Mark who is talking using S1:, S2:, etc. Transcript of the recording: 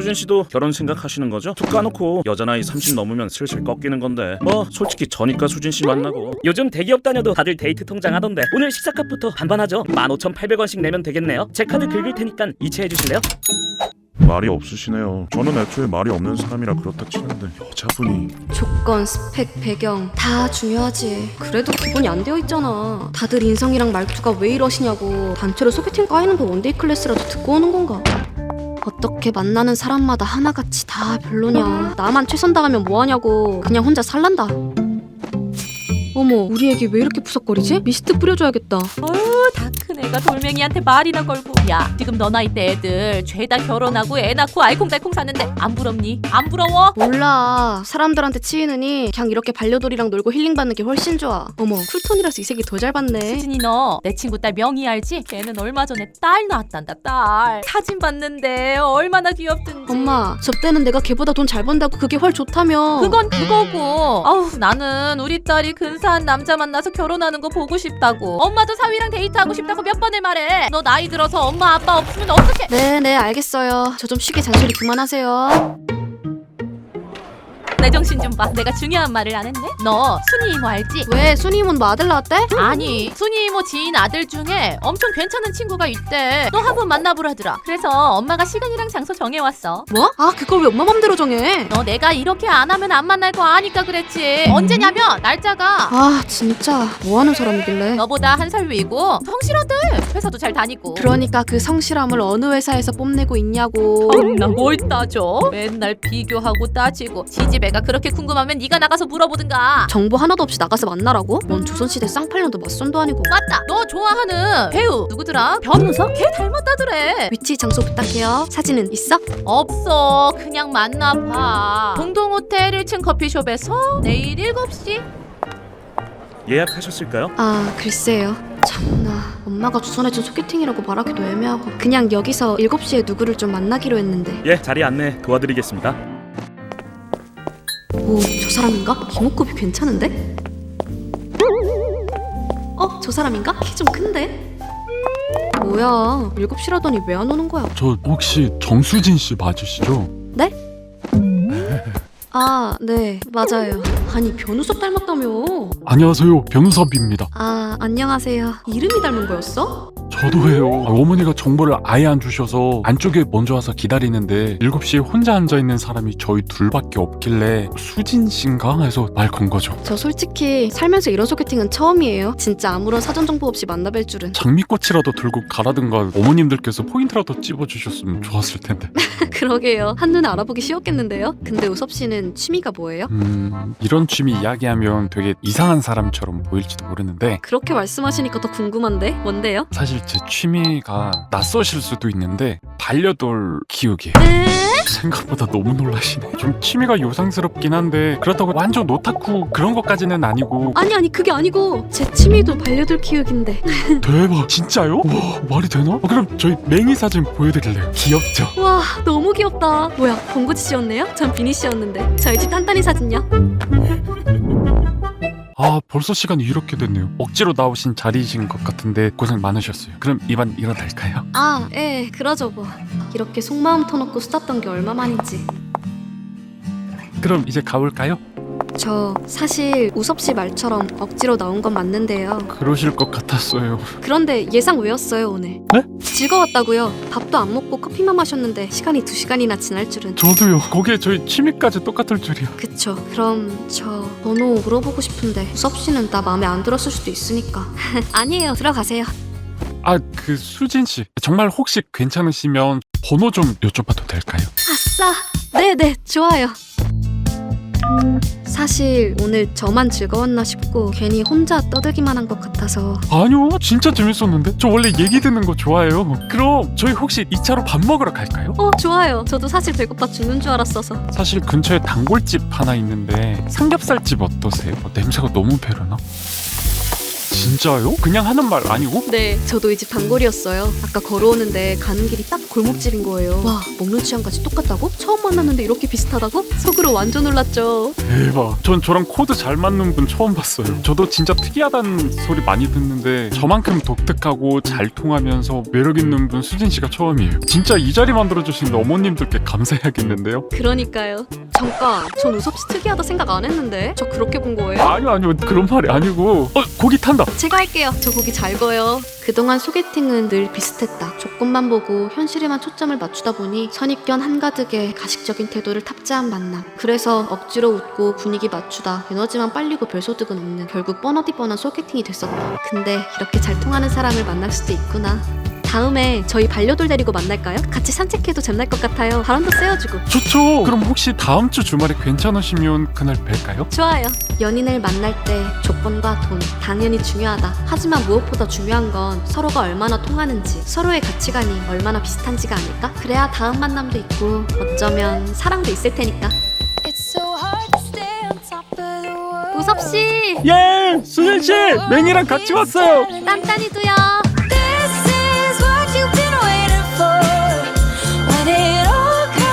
S1: 수진 씨도 결혼 생각하시는 거죠? 툭 까놓고 여자 나이 30 넘으면 슬슬 꺾이는 건데 뭐 솔직히 저니까 수진 씨 만나고.
S2: 요즘 대기업 다녀도 다들 데이트 통장 하던데 오늘 식사값부터 반반하죠. 15,800원씩 내면 되겠네요. 제 카드 긁을 테니까 이체해 주실래요?
S1: 말이 없으시네요. 저는 애초에 말이 없는 사람이라 그렇다 치는데 여자분이.
S3: 조건, 스펙, 배경 다 중요하지. 그래도 기본이 안 되어 있잖아. 다들 인성이랑 말투가 왜 이러시냐고 단체로 소개팅 까이는 거 원데이 클래스라도 듣고 오는 건가? 어떻게 만나는 사람마다 하나같이 다 별로냐. 나만 최선 다하면 뭐하냐고. 그냥 혼자 살란다. 어머, 우리 애기 왜 이렇게 푸석거리지? 미스트 뿌려줘야겠다.
S4: 어휴, 다 큰 애가 돌멩이한테 말이나 걸고. 야, 지금 너 나이 때 애들 죄다 결혼하고 애 낳고 알콩달콩 사는데 안 부럽니? 안 부러워?
S3: 몰라. 사람들한테 치이느니 그냥 이렇게 반려돌이랑 놀고 힐링받는 게 훨씬 좋아. 어머, 쿨톤이라서 이 색이 더 잘 받네.
S4: 수진이 너 내 친구 딸 명희 알지? 걔는 얼마 전에 딸 낳았단다. 딸 사진 봤는데 얼마나 귀엽든지.
S3: 엄마, 접대는 내가 걔보다 돈 잘 번다고 그게 훨 좋다며.
S4: 그건 그거고. 아우, 나는 우리 딸이 근사한 남자 만나서 결혼하는 거 보고 싶다고. 엄마도 사위랑 데이트하고 싶다고 몇 번을 말해. 너 나이 들어서 엄마 아빠 없으면 어떡해?
S3: 네, 알겠어요. 저 좀 쉬게 잔소리 그만하세요.
S4: 내 정신 좀 봐. 내가 중요한 말을 안 했네. 너 순이 이모 알지?
S3: 왜 순이 이모는 뭐 아들 낳았대?
S4: 아니, 순이 이모 지인 아들 중에 엄청 괜찮은 친구가 있대. 너 한번 만나보라더라. 그래서 엄마가 시간이랑 장소 정해왔어.
S3: 뭐? 아, 그걸 왜 엄마 맘대로 정해?
S4: 너 내가 이렇게 안 하면 안 만날 거 아니까 그랬지. 언제냐면 날짜가
S3: 아, 진짜 뭐 하는 사람이길래?
S4: 너보다 한 살 위고 성실하대. 회사도 잘 다니고.
S3: 그러니까 그 성실함을 어느 회사에서 뽐내고 있냐고.
S4: 나 뭘 따져? 맨날 비교하고 따지고. 지지배가 그렇게 궁금하면 네가 나가서 물어보든가.
S3: 정보 하나도 없이 나가서 만나라고? 뭔 조선시대 쌍팔년도 맞선도 아니고.
S4: 맞다. 너 좋아하는 배우 누구더라? 변우석? 걔 닮았다더래.
S3: 위치 장소 부탁해요. 사진은 있어?
S4: 없어. 그냥 만나봐. 동동호텔 1층 커피숍에서 내일 7시.
S1: 예약하셨을까요?
S3: 아, 글쎄요. 참나, 엄마가 주선해준 소개팅이라고 말하기도 애매하고 그냥 여기서 7시에 누구를 좀 만나기로 했는데.
S1: 예, 자리 안내 도와드리겠습니다.
S3: 오, 저 사람인가? 기목급이 괜찮은데? 저 사람인가? 키 좀 큰데? 뭐야, 7시라더니 왜 안 오는 거야?
S5: 저 혹시 정수진 씨 맞으시죠?
S3: 네? 아, 네, 맞아요. 아니, 변우석 닮았다며.
S5: 안녕하세요, 변우섭입니다.
S3: 아, 안녕하세요. 이름이 닮은 거였어?
S5: 저도예요. 어머니가 정보를 아예 안 주셔서 안쪽에 먼저 와서 기다리는데 7시에 혼자 앉아있는 사람이 저희 둘밖에 없길래 수진 씨인가 해서 말 건 거죠.
S3: 저 솔직히 살면서 이런 소개팅은 처음이에요. 진짜 아무런 사전 정보 없이 만나뵐 줄은.
S5: 장미꽃이라도 들고 가라든가 어머님들께서 포인트라도 찝어주셨으면 좋았을 텐데.
S3: 그러게요. 한눈에 알아보기 쉬웠겠는데요? 근데 우섭 씨는 취미가 뭐예요?
S5: 이런 취미 이야기하면 되게 이상한 사람처럼 보일지도 모르는데
S3: 그렇게 말씀하시니까 더 궁금한데? 뭔데요?
S5: 사실 제 취미가 낯서실 수도 있는데 반려돌 키우기. 생각보다 너무 놀라시네. 좀 취미가 요상스럽긴 한데 그렇다고 완전 오타쿠 그런 것까지는 아니고.
S3: 아니 그게 아니고 제 취미도 반려돌 키우기인데.
S5: 대박, 진짜요? 와, 말이 되나? 그럼 저희 맹이 사진 보여드릴래요. 귀엽죠?
S3: 와, 너무 귀엽다. 뭐야, 봉구지 씨였네요? 전 비니 씨였는데. 저희 집 딴딴이 사진요?
S5: 아, 벌써 시간이 이렇게 됐네요. 억지로 나오신 자리이신 것 같은데 고생 많으셨어요. 그럼 이만 일어도 될까요?
S3: 아, 예, 그러죠 뭐. 이렇게 속마음 터놓고 수다던 게 얼마만인지.
S5: 그럼 이제 가볼까요?
S3: 저 사실 우섭 씨 말처럼 억지로 나온 건 맞는데요.
S5: 그러실 것 같았어요.
S3: 그런데 예상 외였어요, 오늘.
S5: 네?
S3: 즐거웠다고요. 밥도 안 먹고 커피만 마셨는데 시간이 2시간이나 지날 줄은.
S5: 저도요. 거기에 저희 취미까지 똑같을 줄이야.
S3: 그쵸. 그럼 저 번호 물어보고 싶은데 우섭 씨는 나 마음에 안 들었을 수도 있으니까. 아니에요, 들어가세요.
S5: 아, 그 수진 씨 정말 혹시 괜찮으시면 번호 좀 여쭤봐도 될까요?
S3: 아싸! 네네, 좋아요. 사실 오늘 저만 즐거웠나 싶고 괜히 혼자 떠들기만 한 것 같아서.
S5: 아니요, 진짜 재밌었는데. 저 원래 얘기 듣는 거 좋아해요. 그럼 저희 혹시 2차로 밥 먹으러 갈까요?
S3: 좋아요. 저도 사실 배고파 죽는 줄 알았어서.
S5: 사실 근처에 단골집 하나 있는데 삼겹살집 어떠세요? 냄새가 너무 배려나? 진짜요? 그냥 하는 말 아니고?
S3: 네, 저도 이 집 단골이었어요. 아까 걸어오는데 가는 길이 딱 골목집인 거예요. 와, 먹는 취향까지 똑같다고? 처음 만났는데 이렇게 비슷하다고? 속으로 완전 놀랐죠.
S5: 대박. 전 저랑 코드 잘 맞는 분 처음 봤어요. 저도 진짜 특이하다는 소리 많이 듣는데 저만큼 독특하고 잘 통하면서 매력 있는 분 수진 씨가 처음이에요. 진짜 이 자리 만들어주신 어머님들께 감사해야겠는데요.
S3: 그러니까요. 잠깐, 전 우섭 씨 특이하다 생각 안 했는데 저 그렇게 본 거예요?
S5: 아니요 그런 말이 아니고 고기 탄다.
S3: 제가 할게요. 저 고기 잘 구워요. 그동안 소개팅은 늘 비슷했다. 조건만 보고 현실에만 초점을 맞추다 보니 선입견 한가득의 가식적인 태도를 탑재한 만남. 그래서 억지로 웃고 분위기 맞추다 에너지만 빨리고 별소득은 없는 결국 뻔어디 뻔한 소개팅이 됐었다. 근데 이렇게 잘 통하는 사람을 만날 수도 있구나. 다음에 저희 반려돌 데리고 만날까요? 같이 산책해도 잼날 것 같아요. 바람도 쐬어주고.
S5: 좋죠. 그럼 혹시 다음 주 주말에 괜찮으시면 그날 뵐까요?
S3: 좋아요. 연인을 만날 때 조건과 돈 당연히 중요하다. 하지만 무엇보다 중요한 건 서로가 얼마나 통하는지, 서로의 가치관이 얼마나 비슷한지가 아닐까? 그래야 다음 만남도 있고 어쩌면 사랑도 있을 테니까. 우섭 씨,
S5: 예, 수진 씨, 맹이랑 같이 왔어요.
S3: 딴딴이도요.